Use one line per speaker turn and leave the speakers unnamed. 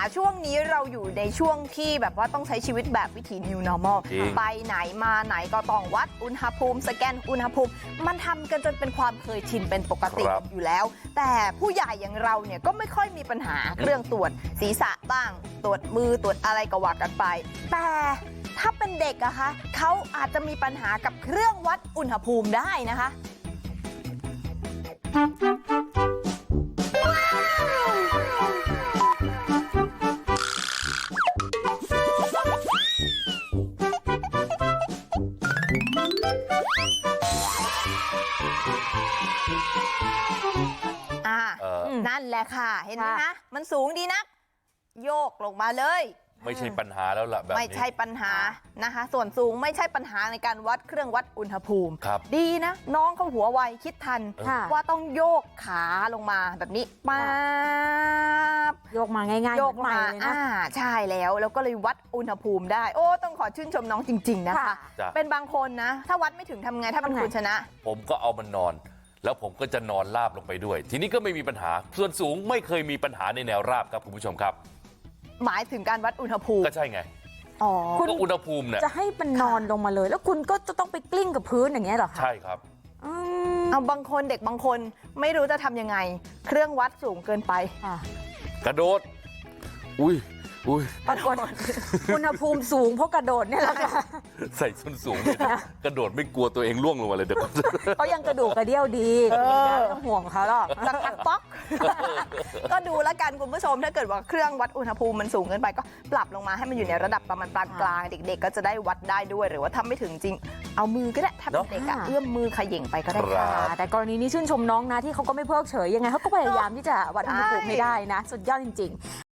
ช่วงนี้เราอยู่ในช่วงที่แบบว่าต้องใช้ชีวิตแบบวิถี New Normal ไปไหนมาไหนก็ต้องวัดอุณหภูมิสแกนอุณหภูมิมันทำกันจนเป็นความเคยชินเป็นปกติอยู่แล้วแต่ผู้ใหญ่อย่างเราเนี่ยก็ไม่ค่อยมีปัญหาเครื่องตรวจศีรษะบ้างตรวจมือตรวจอะไรก็ว่ากันไปแต่ถ้าเป็นเด็กอะคะเขาอาจจะมีปัญหากับเครื่องวัดอุณหภูมิได้นะคะนั่นแหละค่ะเห็นไหมคะมันสูงดีนักโยกลงมาเลย
ไม่ใช่ปัญหาแล้วล่ะแบบนี้
ไม่ใช่ปัญหานะคะส่วนสูงไม่ใช่ปัญหาในการวัดเครื่องวัดอุณหภูมิดีนะน้องเขาหัวไวคิดทันว่าต้องโยกขาลงมาแบบนี้ป๊าบ
โยกมาง่ายๆ
โยกมาใช่แล้วก็เลยวัดอุณหภูมิได้โอ้ต้องขอชื่นชมน้องจริงๆนะคะเป็นบางคนนะถ้าวัดไม่ถึงทำไงถ้าเป็นคุณชนะ
ผมก็เอามันนอนแล้วผมก็จะนอนราบลงไปด้วยทีนี้ก็ไม่มีปัญหาส่วนสูงไม่เคยมีปัญหาในแนวราบครับคุณผู้ชมครับ
หมายถึงการวัดอุณหภูมิ
ก็ใช่ไง
คุณ
อุณหภูมิเนี่ย
จะให้มันนอนลงมาเลยแล้วคุณก็จะต้องไปกลิ้งกับพื้นอย่างเงี้ยหรอคะ
ใช่ครับ
เอาบางคนเด็กบางคนไม่รู้จะทำยังไงเครื่องวัดสูงเกินไป
กระโดดอุ้ย
ปรากฏอุณหภูมิสูงเพราะกระโดดเนี่ยแหละค่ะ
ใส่ส้นสูงกระโดดไม่กลัวตัวเองล่วงลงมาเลยเดี๋ยว
เขายังกระดูกกระเดี่ยวดีต้องห่วงเขาหรอก
สักพักป๊อกก็ดูแล้วกันคุณผู้ชมถ้าเกิดว่าเครื่องวัดอุณหภูมิมันสูงเกินไปก็ปรับลงมาให้มันอยู่ในระดับประมาณปานกลางเด็กๆก็จะได้วัดได้ด้วยหรือว่าทำไม่ถึงจริงเอามือก็ได้ถ้าเป็นเด็กเอื้อมมือขย่งไปก็ได้
ค่ะแต่กรณีนี้ชื่นชมน้องนะที่เขาก็ไม่เพิกเฉยยังไงเขาก็พยายามที่จะวัดอุณหภูมิให้ได้นะสุดยอดจริงๆ